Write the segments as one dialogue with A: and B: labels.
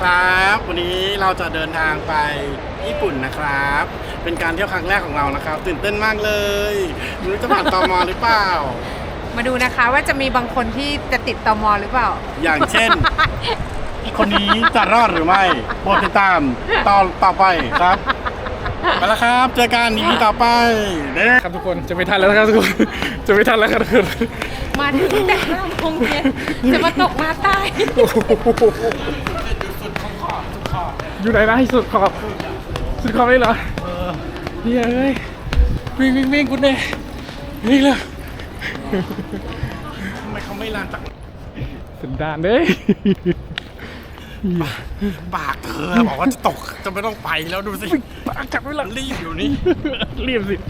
A: ครับวันนี้เราจะเดินทางไปญี่ปุ่นนะครับ เป็นการเที่ยวครั้งแรกของเรานะครับตื่นเต้นมากเลยไม่รู้จะผ่านตม.หรือเปล่า
B: มาดูนะคะว่าจะมีบางคนที่จะติดตม.หรือเปล่า
A: อย่างเช่น คนนี้จะรอดหรือไม่โปรดติดตามต่อไปครับไปแล้วครับเจอกันอีพีต่อไป
C: ครับทุกคนจะไม่ทันแล้วนะครับทุกคนจะไม่ทันแล้วครับทุกคน
B: มาถึงแต่5 โมงเย็นจะมาตกมาตาย
C: อยู่ไหนนะสุดขอบเลยเหรอนี่เอ้ยวิ่งกูเน่วิ่งเลย
A: ทำไมเขาไม่ลานตัก
C: สันดานเลย
A: ปากเธอบอกว่าจะตกจะไม่ต้องไปแล้วดูสิ
C: ปากจับไว้หลัง
A: รีบอยู่นี่
C: รีบสิ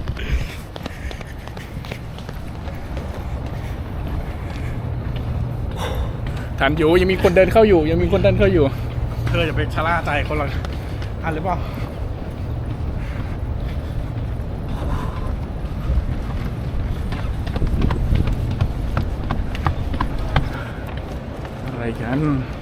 C: ทันอยู่ยังมีคนเดินเข้าอยู่
A: เธออย่าไปชะล่าใจคนละอันหรือเปล่า
C: อะไรกัน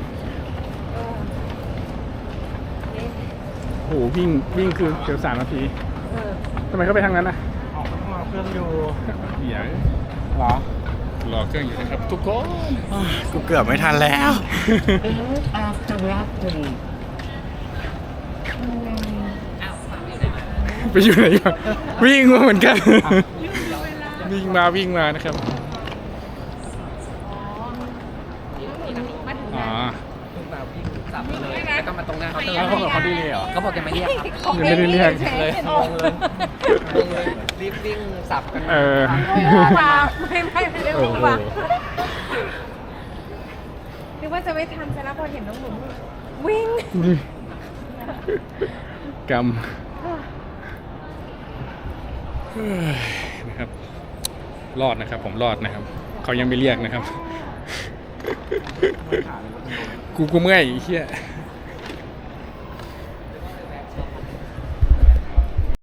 C: โหวิ่งคือเกือบ3 นาทีทำไมเขาไปทางนั้นน่ะ
A: ออกมาเครื่องอยู่
C: อย่ารอเครื่องอยู่นะครับทุกคน
A: กูเกือบไม่ทันแล้ว
C: ไปอยู่ไหนมาวิ่งมาเหมือนกันวิ่งมานะครับ
D: แล้วก็มาตรงหน้าเขา
A: แล้วเขาบอกเขาดีเลยเหรอ
D: เขาบอกจะมาเรียกครับ
C: ยังไม่ได้เรียก
D: เลยงงเลยรีบวิ่งสับกัน
B: ไม่ได้วิ่งว่ะนึกว่าจะไม่ทันแต่แล้วพอเห็นน้องหนุ่มวิ่ง
C: กรรมนะครับรอดนะครับผมรอดนะครับเขายังไม่เรียกนะครับกูเมื่อยเฮีย